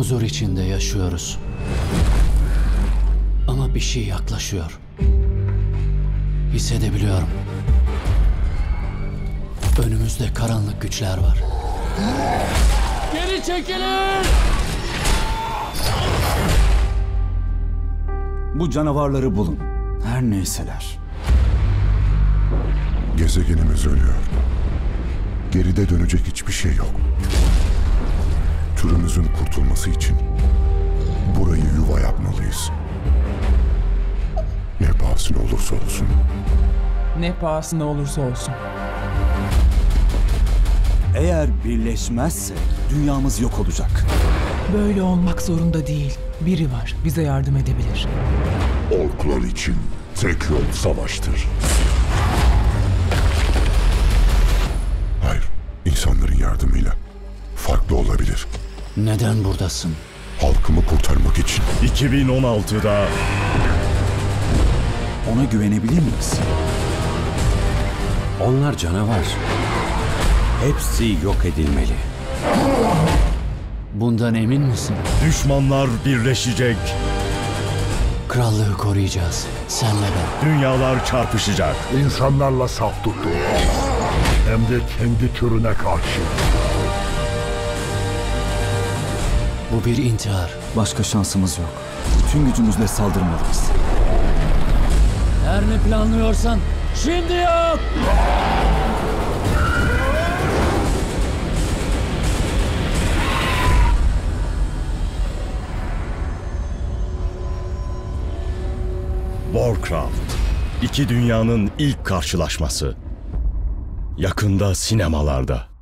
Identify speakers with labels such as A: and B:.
A: Huzur içinde yaşıyoruz. Ama bir şey yaklaşıyor. Hissedebiliyorum. Önümüzde karanlık güçler var. Geri çekilin!
B: Bu canavarları bulun. Her neyseler.
C: Gezegenimiz ölüyor. Geride dönecek hiçbir şey yok. Türümüzün kurtulması için burayı yuva yapmalıyız. Ne pahasına olursa olsun.
D: Ne pahasına olursa olsun.
B: Eğer birleşmezsek dünyamız yok olacak.
D: Böyle olmak zorunda değil. Biri var, bize yardım edebilir.
C: Orklar için tek yol savaştır. Hayır, insanların yardımıyla farklı olabilir.
A: Neden buradasın?
C: Halkımı kurtarmak için.
E: 2016'da
B: Ona güvenebilir miyiz?
F: Onlar canavar. Hepsi yok edilmeli.
A: Bundan emin misin?
E: düşmanlar birleşecek,
A: Krallığı koruyacağız. Senle ben.
E: dünyalar çarpışacak.
G: İnsanlarla saf tuttu. Hem de kendi türüne karşı.
A: Bu bir intihar.
B: Başka şansımız yok. Tüm gücümüzle saldırmalıyız.
A: Her ne planlıyorsan şimdi yap!
E: Warcraft, iki dünyanın ilk karşılaşması. Yakında sinemalarda.